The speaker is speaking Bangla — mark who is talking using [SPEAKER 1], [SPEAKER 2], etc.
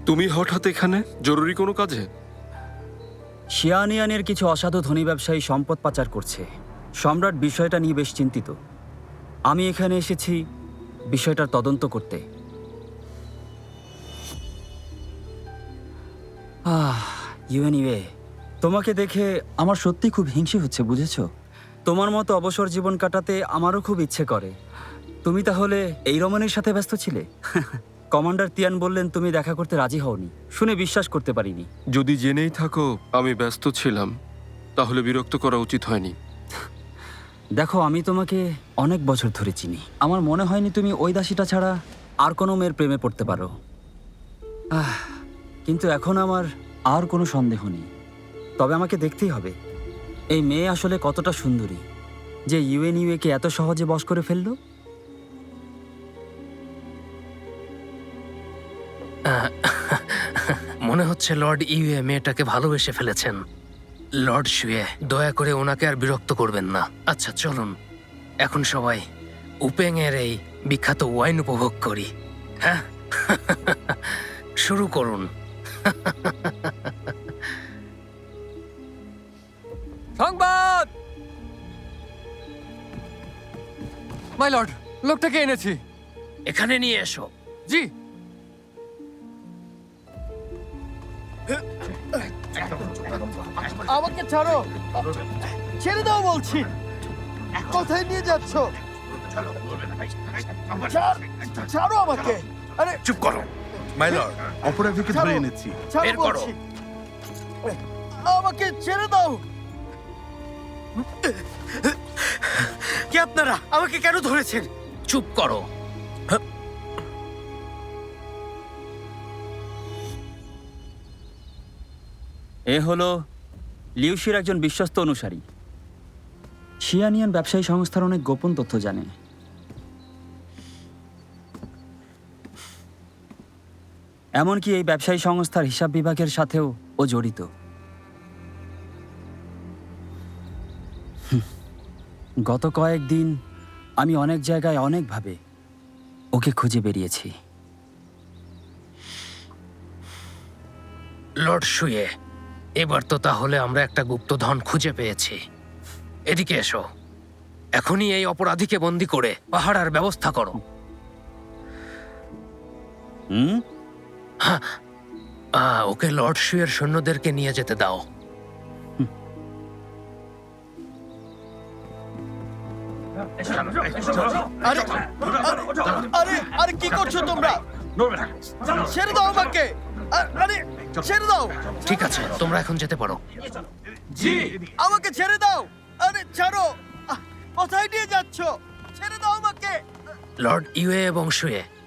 [SPEAKER 1] তুমি হঠাৎ এখানে জরুরি কোনো কাজে?
[SPEAKER 2] শিয়ানিয়ানের কিছু অসাধু ধনী ব্যবসায়ী সম্পদ পাচার করছে। সম্রাট বিষয়টা নিয়ে বেশ চিন্তিত। আমি এখানে এসেছি বিষয়টার তদন্ত করতে। ইউএনইউএ, তোমাকে দেখে আমার সত্যি খুব হিংসে হচ্ছে, বুঝেছো? তোমার মতো অবসর জীবন কাটাতে আমারও খুব ইচ্ছে করে। তুমি তাহলে এই রমণীর সাথে ব্যস্ত ছিলে? কমান্ডার তিয়ান বললেন তুমি দেখা করতে রাজি হওনি। শুনে বিশ্বাস করতে পারিনি।
[SPEAKER 1] যদি জেনেই থাকো আমি ব্যস্ত ছিলাম, তাহলে বিরক্ত করা উচিত হয়নি।
[SPEAKER 2] দেখো, আমি তোমাকে অনেক বছর ধরে চিনি। আমার মনে হয়নি তুমি ওই দাসীটা ছাড়া আর কোনো মেয়ের প্রেমে পড়তে পারো। কিন্তু এখন আমার আর কোনো সন্দেহ নেই। তবে আমাকে দেখতেই হবে এই মেয়ে আসলে কতটা সুন্দরী যে ইউএনইউএ-কে এত সহজে বশ করে ফেললো।
[SPEAKER 3] মনে হচ্ছে লর্ড ইউএ মেয়েটাকে ভালোবেসে ফেলেছেন। লর্ড শুয়ে, দয়া করে ওনাকে আর বিরক্ত করবেন না। আচ্ছা চলুন, এখন সবাই উপেং এর এই বিখ্যাত ওয়াইন উপভোগ করি। হ্যাঁ, শুরু করুন।
[SPEAKER 4] সংবাদ! মাই লর্ড, লোকটাকে এনেছি।
[SPEAKER 3] এখানে নিয়ে এসো।
[SPEAKER 4] জি।
[SPEAKER 5] আমাকে ছাড়ো, ছেড়ে দাও বলছি। কোথায় নিয়ে যাচ্ছ? ছাড়ো আমাকে। আরে
[SPEAKER 3] চুপ করো।
[SPEAKER 6] মাই লর্ড, অপরাধীকে ধরে এনেছি।
[SPEAKER 5] ছাড়ো
[SPEAKER 3] বের করো।
[SPEAKER 5] বলছি। আমাকে ছেড়ে দাও।
[SPEAKER 3] কে আপনারা? আমাকে কেন ধরেছেন? চুপ করো।
[SPEAKER 2] এ হলো লিউশির একজন বিশ্বস্ত অনুসারী। শিয়ানিয়ান ব্যবসায়ী সংস্থার অনেক গোপন তথ্য জানে। এমনকি এই ব্যবসায়ী সংস্থার হিসাব বিভাগের সাথেও ও জড়িত। গত কয়েকদিন আমি অনেক জায়গায় অনেকভাবে ওকে খুঁজে বেরিয়েছি।
[SPEAKER 3] লর্ড শুয়ে, এবার তো তাহলে আমরা একটা গুপ্তধন খুঁজে পেয়েছি। এদিকে এসো। এখনই এই অপরাধীকে বন্দি করে পাহারার ব্যবস্থা করো।
[SPEAKER 2] হুম?
[SPEAKER 3] ওকে লর্ড শুয়ের সৈন্যদেরকে নিয়ে যেতে দাও।
[SPEAKER 5] আরে আরে আরে কি করছো তোমরা? ছেড়ে দাও আমাকে। আরে ছেড়ে দাও।
[SPEAKER 3] ঠিক আছে, তোমরা এখন যেতে পারো।
[SPEAKER 5] আমাকে ছেড়ে দাও। আরে ছাড়ো। কোথায় নিয়ে যাচ্ছ? ছেড়ে দাও আমাকে।
[SPEAKER 3] লর্ড ইউএ এবং শুয়ে,